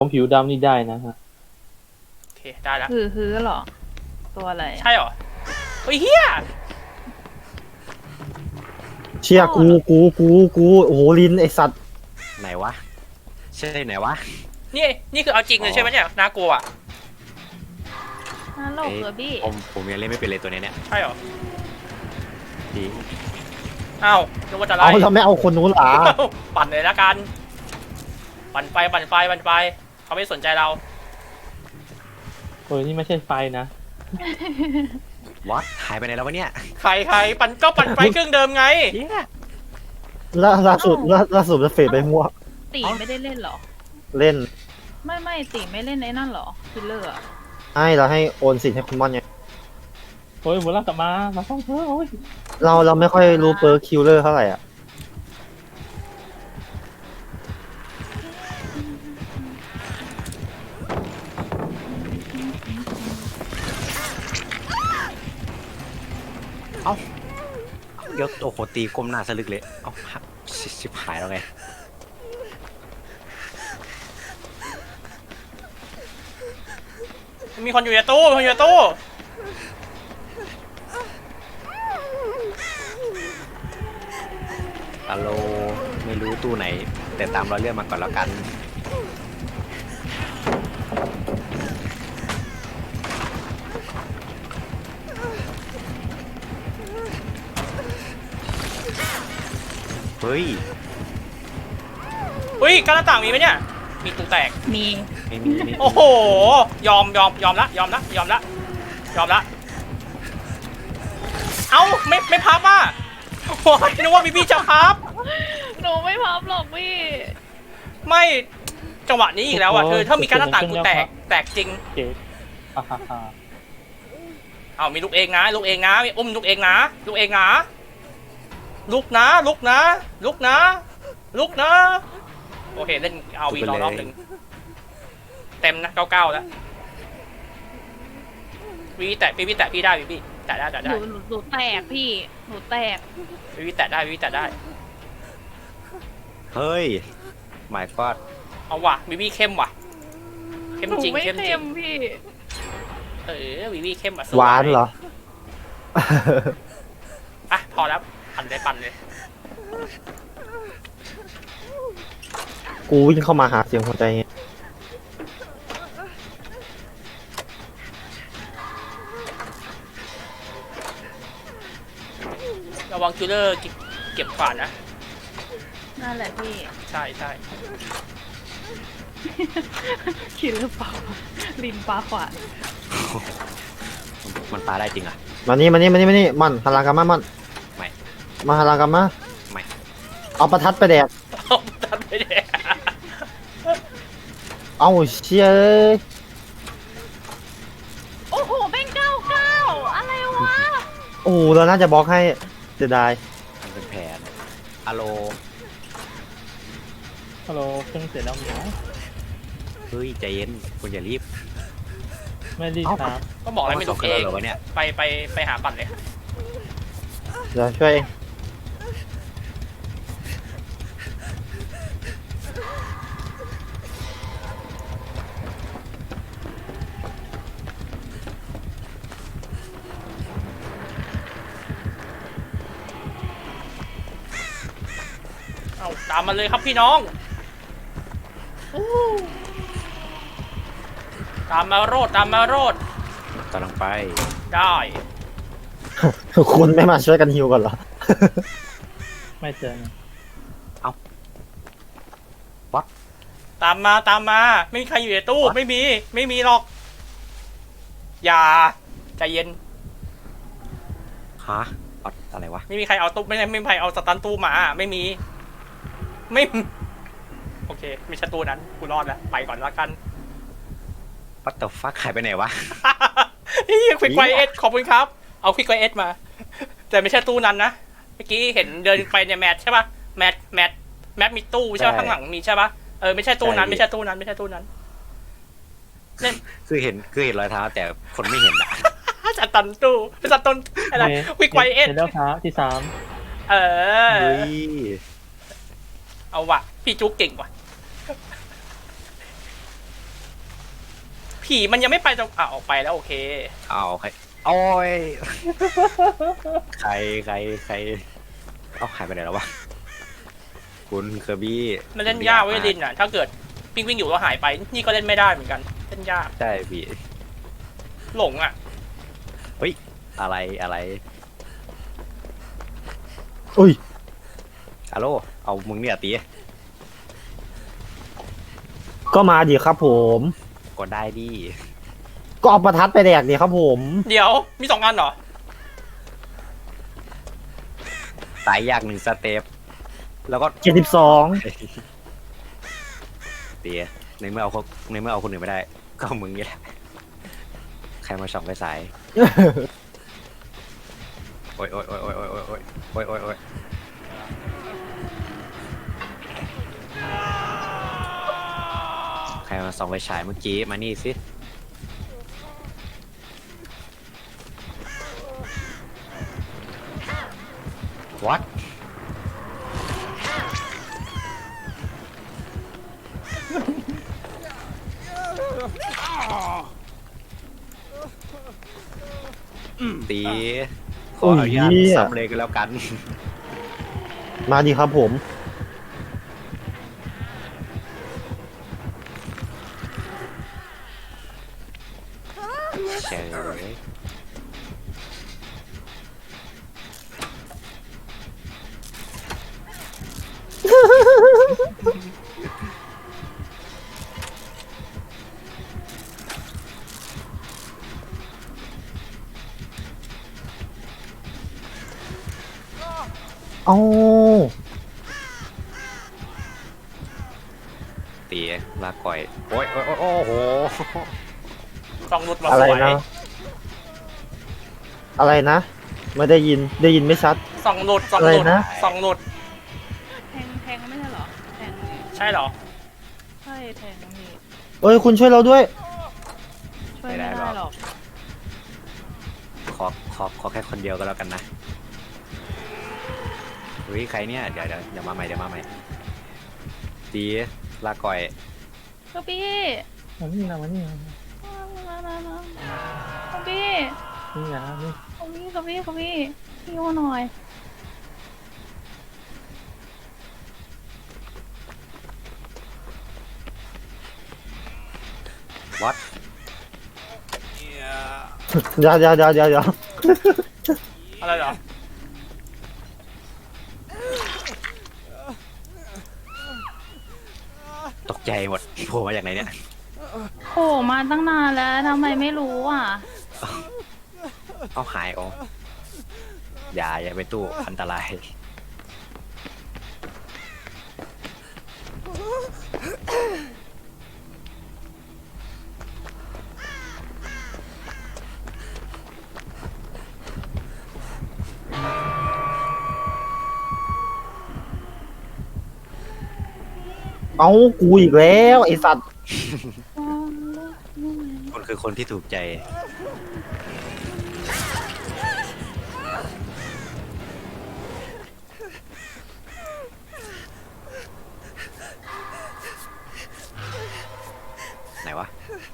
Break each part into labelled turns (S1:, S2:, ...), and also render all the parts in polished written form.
S1: ผมผิวดำนี่ได้นะฮะ
S2: โอเคได้แล้ว
S3: ฮือเหรอตัวอะไร
S2: ใช่เหรอเฮ้ยเฮีย
S4: เชี่ยกูโอ้โหลินไอสัตว์
S5: ไหนวะใช่ไหนวะ
S2: นี่คือเอาจริงเลยใช่ไหมเนี่ยน่ากลัวอ่ะ
S3: ฮัลโหลเบอร์บี้
S5: ผมยังเล่นไม่เป็นเลยตัวนี้เนี่ย
S2: ใช่เหรอ
S5: ดี
S2: อ้าวนึกว่าจะไล่
S4: เอาเราไม่เอาคนนู้นหรอ
S2: ปั่นเลยละกันปั่นไฟเขาไม่สนใจเรา
S1: โอ้ยนี่ไม่ใช่ไฟนะ
S5: วัดหายไปไหนแล้ววะเนี่ย
S2: ใครปั่นไฟเครื่องเดิมไง
S5: เหี้ย
S4: ล่าสุดจะเฟดไปมั่ว
S3: ตีไม่ได้เล่นเหรอ
S4: เล่น
S3: ไม่ตีไม่เล่นไอ้นั่นเหรอคิลเลอร์
S4: ให้เราให้โอนสิทธิ์ให้คุณมอนไง
S1: โอ้ยหมดแล้วกลับมาต้องเถอะโอ้ย
S4: เราไม่ค่อยรู้เปิร์คิวเลอร์เท่าไหร่อ่ะ
S5: เดี๋ยวโอ้โหตีก้มหน้าสะลึกเลยเอ้าหักชิบหายแล้วไง
S2: มีคนอยู่ในตู้
S5: ฮัลโหลไม่รู้ตู้ไหน แต่ตามเราเรื่องมาก่อนแล้วกันเฮ้ย
S2: กั้นหน้าต่างมีไหมเนี่ยมีตู้แตก
S3: มี
S5: ไม่มีไม่มี
S2: โอ้โหยอมละเอ้าไม่พับอ่ะโอ้ยนึกว่าพี่จะพับ
S3: หนูไม่พับหรอกพี่
S2: ไม่จังหวะนี้อีกแล้วอ่ะเธอถ้ามีการหน้าต่างกูแตกจริง
S1: เจ๊ฮ่าฮ่าฮ่า
S2: เอามีลูกเองนะมีอุ้มลูกเองนะลุกนะโอเคเล่นเอาวีรอบหนึ่งเต็มนะ99แล้ววีแตะพี่ได้พี่แตะได้
S3: หนูแตกพี่หนูแตก
S2: วีแตะได้
S5: เฮ้ยหมายก็
S2: เอาว่ะวีเข้มว่ะเข้ม
S3: หนู
S2: จริง
S3: ไม่
S2: เข้มจริ
S3: เต็
S2: ง
S3: มพี่
S2: วีเข้มอ่ะ
S4: หวานเหรอ
S2: อ่ะพอแล้วปั่นเลย
S4: กูวิ่งเข้ามาหาเสียงหัวใจไง
S2: ระวังคิลเลอร์เก็บขวานนะ
S3: นั่นแหละพี่
S2: ใช่
S3: คิลเลอร์เปล่าลินปลาขวาน
S5: มันปลาได้จริงอ่ะ
S4: มานี่มันหันหลังกลับมามัน
S5: ไม่
S4: มาหันหลังกลับมา
S5: ไม่
S4: เอาประทัดไปแดก
S2: ตัดไปเลย
S4: เอาเชี่ยเอ้ย
S3: โอ้โหแม่ง99อะไรวะ
S4: โอ้โหเราน่าจะบล็อกให้เสียดาย
S5: มันเป็นแผนฮัลโหล
S1: ฮัลโหลเครื่องเสร็จแล้วเหมียว
S5: เฮ้ยใจเย็นคุณอย่ารีบ
S1: ไม่รีบครับ
S2: ก็บอกแล้วไม่ลุกเอง
S5: เหรอวะเนี่ย
S2: ไปหาปั่นเลย
S4: เดี๋ยวช่วยเอง
S2: เอาตามมาเลยครับพี่น้องตามมาโรด
S5: กำลังไป
S2: ได้
S4: คุณไม่มาช่วยกันฮิวก่อนเหรอ
S1: ไม่เจอนะ
S2: ตามมาไม่มีใครอยู่ในตู้ไม่มีหรอกอย่าใจเย็น
S5: ฮะอะไรวะ
S2: ไม่มีใครเอาตู้ไม่มีใครเอาสตันตู้มาไม่โอเคไม่ใช่ตู้นั้นกูรอดแล้วไปก่อนละกัน
S5: What the fuck หายไปไหนวะ
S2: ควิกไวเอสขอบคุณครับเอาควิกไวเอสมาแต่ไม่ใช่ตู้นั้นนะเมื่อกี้เห็นเดินไปเนี่ยแมทใช่ป่ะแมทมีตู้ใช่ป่ะข้างหลังมีใช่ป่ะไม่ใช่ตู้นั้นไม่ใช่ตู้นั้นเล่น
S5: คือเห็นรอยเท้าแต่คนไม่เห็นอะ
S2: สตันตู้เป็นสตันอะไรควิกไวเอส
S1: เสร็จแล้วครับที่3
S5: เฮ้ย
S2: เอาว่ะพี่จุ๊กเก่งว่ะผีมันยังไม่ไปจะออกไปแล้วโอเค
S5: เอาใครโอ้ยใครเอาหายไปไหนแล้ววะคุณเคอร์บี้
S2: มันเล่นยากเว้ยลินอ่ะถ้าเกิดวิ่งอยู่แล้วหายไปนี่ก็เล่นไม่ได้เหมือนกันเล่นยาก
S5: ใช่พี่
S2: หลงอ่ะ
S5: เฮ้ยอะไร
S4: อุ้ย
S5: ฮัลโหลเอามึงเนี่ยตี
S4: ก็มาดิครับผม
S5: กดได้ดิ
S4: ก็เอาประทัดไปแดกดิครับผม
S2: เดี๋ยวมี2 อันเหรอ
S5: ตายยาก1 สเต็ปแล้วก็
S4: 72
S5: เตียในเมื่อเอาคนอื่นไม่ได้ก็มึงนี่แหละใครมาส่องไปสายโอ้ยใครมาส่องไปฉายเมื่อกี้มานี่สิวัดตีขออนุญาตซ้ำเลยกันแล้วกัน
S4: มาดิครับผม
S5: เฉย
S4: เอา
S5: ตีลาก่อยโอ้ยโอ้โห
S2: ส่องหลุดมา
S4: อะ
S2: ส
S4: ไร
S2: วย
S4: นะ อะไรนะ ไม่ได้ยินไม่ชัด
S2: ส่องหลุด
S4: อะไรนะ
S2: ส่องหลุด
S3: แทงไม่ใช่เหรอแทง
S2: ใช่เหรอ
S3: ใช่แทงนี่
S4: เอ้ยคุณช่วยเราด้วย
S3: ช่วยไม่ได้หรอก
S5: ขอแค่คนเดียวก็แล้วกันนะเฮ้ยใครเนี่ยเดี๋ยวมาใหม่ตีลาก่อย
S3: ก็พี่
S1: มานี่นะมานี่นะ
S3: ก็พี่
S1: นี่นะนี่
S3: ก็พี่พี่ว่าหน่อย
S5: วัด
S4: เดี๋ยว
S2: อะไรเหรอ
S5: ตกใจหมดโผล่มาจากไหนเนี่ย
S3: โผล่มาตั้งนานแล้วทำไมไม่รู้อ่ะ
S5: เอาหายอ๋ออย่าไปตู้อันตราย
S4: เอากูอีกแล้วไอสัตว์
S5: คนคือคนที่ถูกใจไหนวะ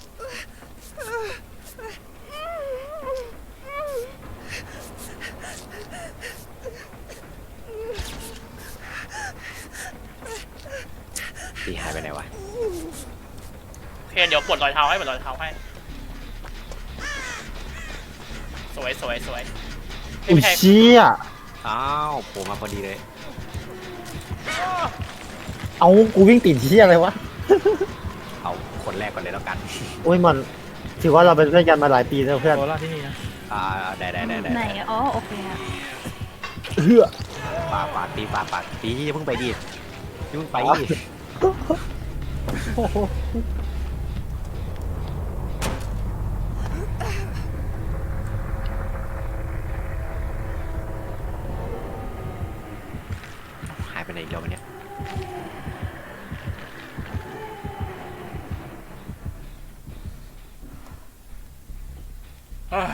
S5: ตีหายไปไหนวะ
S2: โอเคเดี๋ยวปลดรอยเท้าให้สวยไม่
S4: อุ้ย
S2: แพ้
S4: เชี่ย
S5: อ้าวโผล่มาพอดีเลย
S4: เอากูวิ่งติดเชี่ยอะไรวะ
S5: เอาคนแรกก่อนเลยแล้วกัน
S4: โอ้ยมันถือว่าเราเป็นเพื่อนกันมาหลายปีแล้วเพื่อน
S1: โคราชที่นี่นะ
S5: ได้
S3: ไหนอ๋อโอเคอะ
S4: เฮือ
S5: ปากตีอย่าเพิ่งไปดิอย่าเพิ่งไปดิ
S1: โอ้โห
S5: หายไปไหนอีกแล้ววะเนี่ย
S2: เอ้ย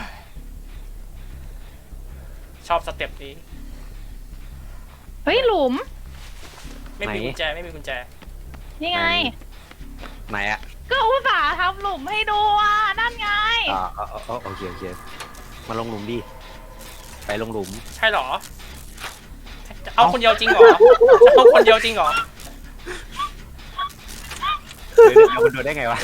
S2: ชอบสเต็ปนี้
S3: เฮ้ยหลุม
S2: ไม่มีกุญแจ
S3: นี่ไง
S5: ไหนอะ
S3: ก็อุตส่าห์ทำหลุมให้ดูอ่ะนั่นไง
S5: โอเคมาลงหลุมดิไปลงหลุม
S2: ใช่เหรอเอาคนเดียวจริงเหรอเอาคนเดียวจริงเหรอ
S5: เดี๋ยวมันโดนได้ไงวะ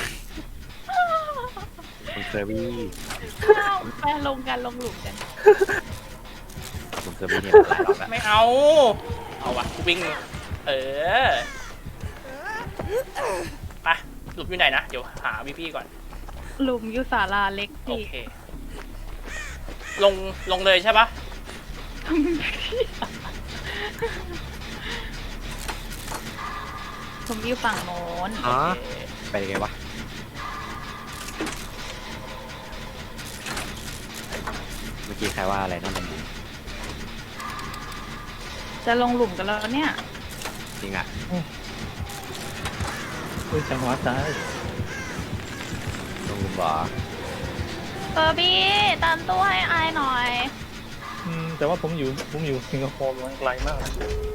S5: คุณเคอร์บี้
S3: ไปลงกันลงหลุมกัน
S5: คุณเคอร์บี้เนี่ยหลายรอบแล้ว
S2: ไม่เอาวะกูวิ่งไปหลุมอยู่ไหนนะเดี๋ยวหาพี่ก่อน
S3: หลุมอยู่ศาลาเล็ก
S2: โอ
S3: พี่
S2: เคลงเลยใช่ปะ
S3: ผมอยู่ฝั่งโน้น
S5: อ๋อ
S2: โอเค
S5: ไปยังไงวะเมื่อกี้ใครว่าอะไรนั่นเป็น
S3: จะลงหลุมกันแล้วเนี่ย
S5: จริงอ่ะ
S1: อุ้ยจังหวะซ้าย
S5: ลงหลุมบ่อ
S3: เบอร์บี้ตามตัวให้อายหน่อย
S1: แต่ว่าผมอยู่สิงคโปร์มันไกลมากนะ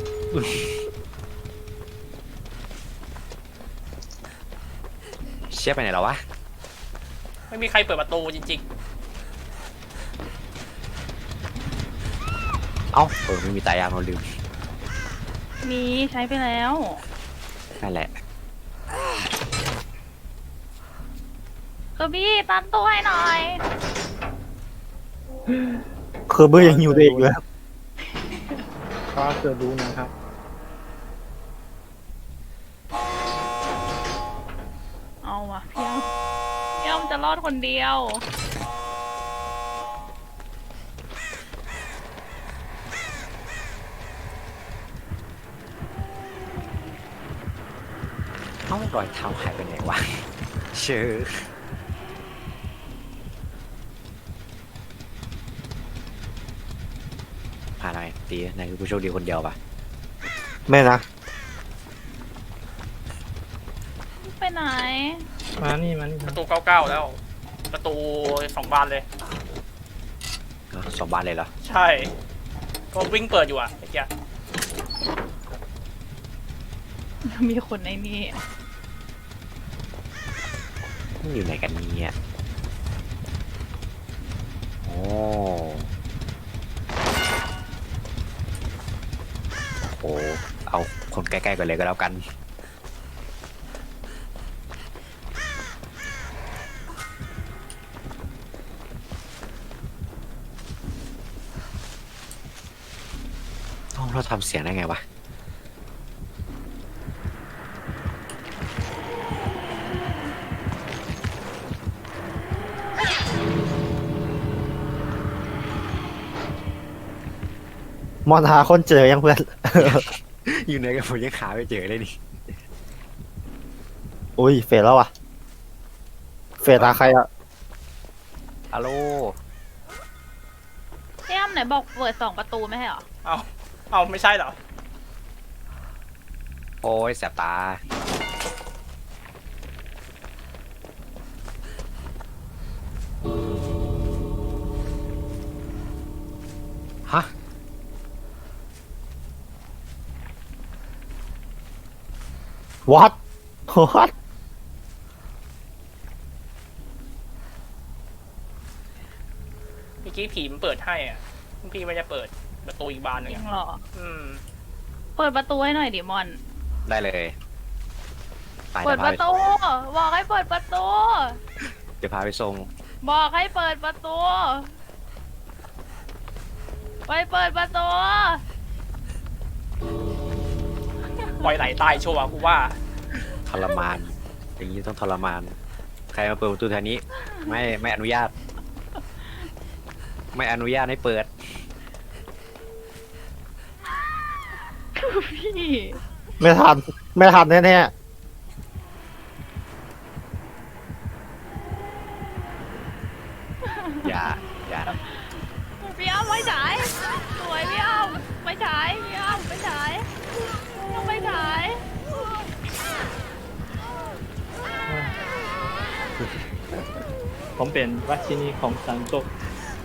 S5: เชี่ยไปไหนแล้ววะ
S2: ไม่มีใครเปิดประตูจริง
S5: เอ้าไม่มีตายางเราลืม
S3: มีใช้ไปแล้ว
S5: นั่นแหละ
S3: เบอร์บี้ตามตัวให้หน่อย
S4: เคอร์เบอร์ยังหิวตัวเองเลย
S1: ฟ้าเกิดรู้นะครับ
S3: เอาว่ะพี่อ้ำจะรอดคนเดียว
S5: เอ้ารอยเท้าหายไปไหนวะเชื่อพาหน่อยตีนายคือผู้โชคดีคนเดียวปะ
S4: ไม่นะ
S3: ไปไหน
S1: มานี่มานี่
S2: ๆประตู99แล้ว ประตู2 บานเลย
S5: สองบ้านเลยเหรอ
S2: ใช่ก็วิ่งเปิดอยู่อ่ะไอ้เหี้ย
S3: มีคนในนี่
S5: มันอยู่ไหนกันเนี่ยโอ้โหเอาคนใกล้ๆกันเลยก็แล้วกันเราทำเสียงได้ไงวะ
S4: มอนหาคนเจอยังเพื่อน
S5: อยู่ไหนกันผมยังหาไม่เจอเลยนี่
S4: อุ้ยเฟดแล้วอ่ะ เฟดตาใครอ่ะ
S5: ฮัลโหล
S3: พี่อ้ำไหนบอกเปิด2 ประตูไม่ใช่เหรอ
S2: เอาไม่ใช่เหรอ
S5: โอ้ยแสบตาฮะ
S4: what what
S2: เมื่อกี้ผีมันเปิดให้อ่ะพี่ไม่ได้เปิดประตูอีกบานหนึ
S3: จ
S2: ง
S3: ริง
S2: อะ
S3: เหรอ
S2: อืม
S3: เปิดประตูให้หน่อยดิมอน
S5: ได้เลยไป
S3: เปิดประตู บอกให้เปิดประตู
S5: เดี๋ยวพาไปส่ง
S3: บอกให้เปิดประตู ไปเปิดประตู
S2: ปล่อยไหลตายชัวร์กูว่า
S5: ทรมาน อย่างนี้ต้องทรมาน ใครมาเปิดประตูแถวนี้ ไม่อนุญาต ไม่อนุญาตให้เปิด
S3: พี่
S4: ไม่ทัน ไม่ทันแน่
S5: อย่า
S3: พี่อ้ำไม่ฉายสวยพี่อ้ำไม่ฉายพี่อ้ำไม่ฉายต้องไม่ฉาย
S1: ผมเป็นราชินีของสันโตก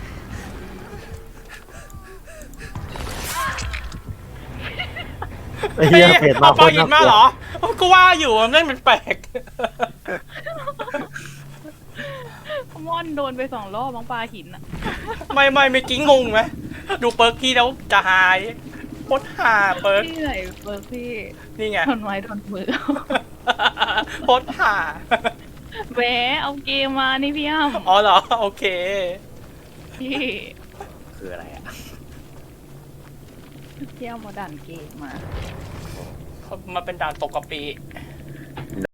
S4: ๆไอ้เหี้ยเฟดมา
S2: เอา
S4: ค
S2: ปอน หิ
S4: น่าน ก
S2: มา
S4: ลัว
S2: เหรอ กูว่าอยู่มันเล่นเป็นแปลก
S3: ม่อนโดนไป2 รอบมั้งปลาหินอะ
S2: ไม่เมื่อกี้งงไหมดูเปิร์กพี่แล้วจะหายโคตรหาเปิร์ก
S3: พี่ไหนเปิร์กพี่
S2: นี่ไง
S3: โดนไม้โดนมือ
S2: โคตรหา
S3: แหมเอาเกมมานี่พี่อ้ำ
S2: อ๋อเหรอโอเค
S3: พี่
S5: คืออะไรอ่ะ
S3: พี่อ้ำมาดันเกมมา
S2: มาเป็นด่านตกกะปิ